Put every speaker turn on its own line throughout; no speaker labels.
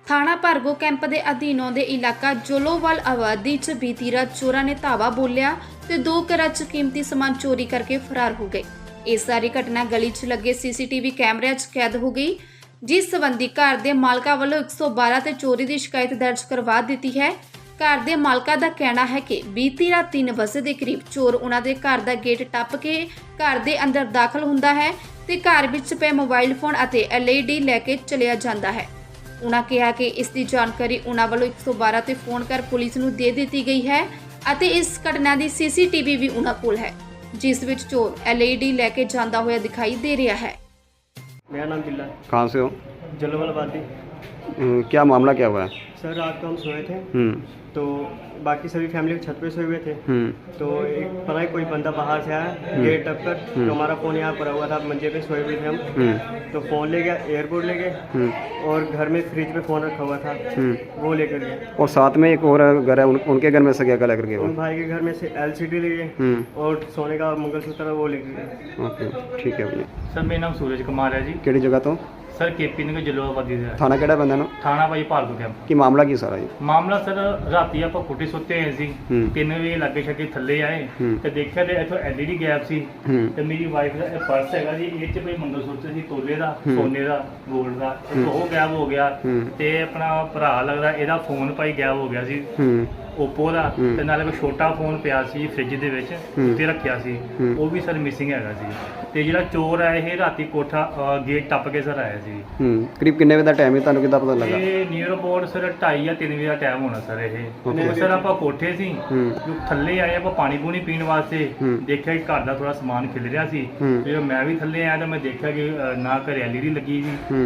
ਥਾਣਾ ਭਰਗੋ ਕੈਂਪ ਦੇ ਅਧੀਨ ਆਉਂਦੇ ਇਲਾਕਾ ਜੋਲੋਵਾਲ ਆਬਾਦੀ 'ਚ ਬੀਤੀ ਰਾਤ ਚੋਰਾਂ ਨੇ ਧਾਵਾ ਬੋਲਿਆ ਤੇ 2 ਘਰਾਂ 'ਚ ਕੀਮਤੀ ਸਮਾਨ ਚੋਰੀ ਕਰਕੇ ਫਰਾਰ ਹੋ ਗਏ। ਇਹ ਸਾਰੀ ਘਟਨਾ ਗਲੀ 'ਚ ਲੱਗੇ ਸੀਸੀਟੀਵੀ ਕੈਮਰਿਆਂ 'ਚ ਕੈਦ ਹੋ ਗਈ, ਜਿਸ ਸੰਬੰਧੀ ਘਰ ਦੇ ਮਾਲਕਾਂ ਵੱਲੋਂ 112 ਤੇ ਚੋਰੀ ਦੀ ਸ਼ਿਕਾਇਤ ਦਰਜ ਕਰਵਾ ਦਿੱਤੀ ਹੈ। ਘਰ ਦੇ ਮਾਲਕਾਂ ਦਾ ਕਹਿਣਾ ਹੈ ਕਿ ਬੀਤੀ ਰਾਤ 3 ਵਜੇ ਦੇ ਕਰੀਬ ਚੋਰ ਉਹਨਾਂ ਦੇ ਘਰ ਦਾ ਗੇਟ ਟੱਪ ਕੇ ਘਰ ਦੇ ਅੰਦਰ ਦਾਖਲ ਹੁੰਦਾ ਹੈ ਤੇ ਘਰ ਵਿੱਚ ਪਏ ਮੋਬਾਈਲ ਫੋਨ ਅਤੇ LED ਲੈ ਕੇ ਚਲਿਆ ਜਾਂਦਾ ਹੈ। ਉਹਨਾਂ ਕਿਹਾ ਕਿ ਇਸ ਦੀ ਜਾਣਕਾਰੀ ਉਹਨਾਂ ਵੱਲੋਂ 112 ਤੇ ਫੋਨ ਕਰ ਪੁਲਿਸ ਨੂੰ ਦੇ ਦਿੱਤੀ ਗਈ ਹੈ ਅਤੇ ਇਸ ਘਟਨਾ ਦੀ CCTV ਵੀ ਉਹਨਾਂ ਕੋਲ ਹੈ, ਜਿਸ ਵਿੱਚ ਚੋਰ LED ਲੈ ਕੇ ਜਾਂਦਾ ਹੋਇਆ ਦਿਖਾਈ ਦੇ ਰਿਹਾ है।
मेरा नाम बिल्ला।
कहाँ से हो?
जलोवाल आबादी।
क्या मामला क्या हुआ है?
सर रात को हम सोए थे तो बाकी सभी फैमिली छत पे सोए हुए थे तो एक पता ही कोई बंदा बाहर से आया गेट टप कर तो हमारा फ़ोन यहाँ पड़ा हुआ था, मंजे पे सोए हुए थे हम तो फ़ोन ले गया, एयरपोर्ट ले गए और घर में फ्रिज पे फ़ोन रखा हुआ था वो लेकर गए।
और साथ में एक और घर है, उनके घर में से क्या लेकर गए?
उन भाई के घर में से LCD ले गए और सोने का मंगलसूत्र वो लेकर गए।
ओके ठीक है भैया।
सर मेरा नाम सूरज कुमार है जी।
ਕਿਹੜੀ ਜਗ੍ਹਾ ਤੋਂ?
सर KP नगर जलोवाबादी ਦਾ
ਥਾਣਾ ਕਿਹੜਾ ਬੰਦਾ ਨੂੰ?
ਥਾਣਾ ਭਾਈ ਭਾਰਗੋ ਕੈਂਪ।
ਕੀ ਮਾਮਲਾ ਕੀ ਸਾਰਾ ਜੀ?
ਮਾਮਲਾ ਸਰ ਰਾਤੀ ਆਪਾਂ ਕੋਠੇ ਸੁੱਤੇ ਹੋਏ ਸੀ 3 ਵਜੇ ਲੱਗੇ ਛੱਕੇ ਥੱਲੇ ਆਏ ਤੇ ਦੇਖਿਆ ਤੇ ਇੱਥੋਂ LED ਗੈਪ ਸੀ ਤੇ ਮੇਰੀ ਵਾਈਫ ਦਾ ਇਹ ਪਰਸ ਹੈਗਾ ਜੀ, ਇਹ ਚ ਕੋਈ ਮੰਗਲਸੂਤਰ ਸੀ ਤੋਲੇ ਦਾ, ਸੋਨੇ ਦਾ, 골ਡ ਦਾ, ਉਹ ਗਾਇਬ ਹੋ ਗਿਆ ਤੇ ਆਪਣਾ ਭਰਾ ਲੱਗਦਾ ਇਹਦਾ ਫੋਨ ਭਾਈ ਗਾਇਬ ਹੋ ਗਿਆ ਸੀ ਓਪੋ ਦਾ ਤੇ ਨਾਲੇ ਕੋਈ ਛੋਟਾ ਫੋਨ ਪਿਆ ਸੀ ਫ੍ਰਿਜ ਦੇ ਵਿੱਚ ਉੱਤੇ ਰੱਖਿਆ ਸੀ, ਉਹ ਵੀ ਸਰ ਮਿਸਿੰਗ ਹੈਗਾ ਸੀ। ਤੇ ਜਿਹੜਾ ਚੋਰ ਆ ਇਹ ਰਾਤੀ ਕੋਠਾ ਗੇਟ ਟੱਪ ਕੇ ਸਰ ਆਇਆ ਸੀ।
ਕਰੀਬ ਕਿੰਨੇ ਵਜੇ ਦਾ ਟਾਈਮ ਹੈ, ਤੁਹਾਨੂੰ ਕਿੱਦਾਂ ਪਤਾ ਲੱਗਾ?
ਇਹ ਨੀਅਰ ਅਬਾਊਟ ਸਰ 2:30 ਜਾਂ 3 ਵਜੇ ਦਾ ਟਾਈਮ ਹੋਣਾ ਸਰ ਇਹ। ਸਰ ਆਪਾਂ ਕੋਠੇ ਸੀ ਜੋ ਥੱਲੇ ਆਏ ਆਪਾਂ ਪਾਣੀ ਪੂਣੀ ਪੀਣ ਵਾਸਤੇ, ਦੇਖਿਆ ਕਿ ਘਰ ਦਾ ਥੋੜਾ ਸਮਾਨ ਖਿਲ ਰਿਹਾ ਸੀ ਤੇ ਮੈਂ ਵੀ ਥੱਲੇ ਆਇਆ ਤਾਂ ਮੈਂ ਦੇਖਿਆ ਕਿ ਨਾ ਘਰੇ LED ਲੱਗੀ ਸੀ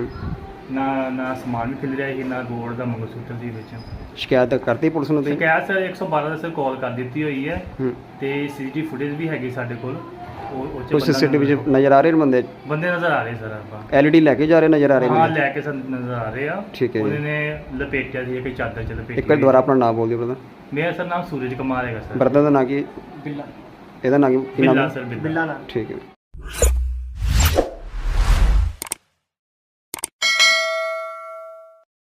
ਨਾ ਸਮਾਨ ਵੀ ਖਿਲ ਰਿਹਾ ਸੀ, ਨਾ ਗੋਲਡ ਦਾ ਮੰਗਲਸੂਤਰ ਸੀ ਵਿੱਚ।
ਸ਼ਿਕਾਇਤ ਕਰਤੀ ਪੁਲਿਸ ਨੂੰ? ਤੁਸੀਂ
ਸ਼ਿਕਾਇਤ ਸਰ 112 ਦਾ ਸਰ ਕਾਲ ਕਰ ਦਿੱਤੀ ਹੋਈ ਹੈ ਤੇ CCTV ਫੁਟੇਜ ਵੀ ਹੈਗੀ ਸਾਡੇ ਕੋਲ।
ਕੋਈ CCTV 'ਚ ਨਜ਼ਰ ਆ ਰਹੇ ਨੇ
ਬੰਦੇ ਨਜ਼ਰ ਆ ਰਹੇ ਸਰ। ਆਪਾਂ
LED ਲੈ ਕੇ ਜਾ ਰਹੇ ਨਜ਼ਰ ਆ ਰਹੇ ਨੇ?
ਹਾਂ ਲੈ ਕੇ ਸਰ ਨਜ਼ਰ ਆ ਰਹੇ ਆ।
ਠੀਕ ਹੈ ਜੀ।
ਉਹਨੇ ਲਪੇਟਿਆ ਸੀ ਕਿ ਚਾਦਰ ਚ ਲਪੇਟਿਆ।
ਇੱਕ ਵਾਰ ਦੁਬਾਰਾ ਆਪਣਾ ਨਾਮ ਬੋਲ ਦਿਓ ਬ੍ਰਦਰ।
ਮੇਰਾ ਸਰ ਨਾਮ ਸੂਰਜ ਕੁਮਾਰ ਹੈਗਾ ਸਰ।
ਬ੍ਰਦਰ ਦਾ ਨਾਂ ਕੀ?
बिल्ला।
ਇਹਦਾ ਨਾਂ ਕੀ ਨਾਮ
ਬਿੱਲਾ
ਹੈ?
ਸਰ ਬਿੱਲਾ।
बिल्ला नाम।
ਠੀਕ ਹੈ।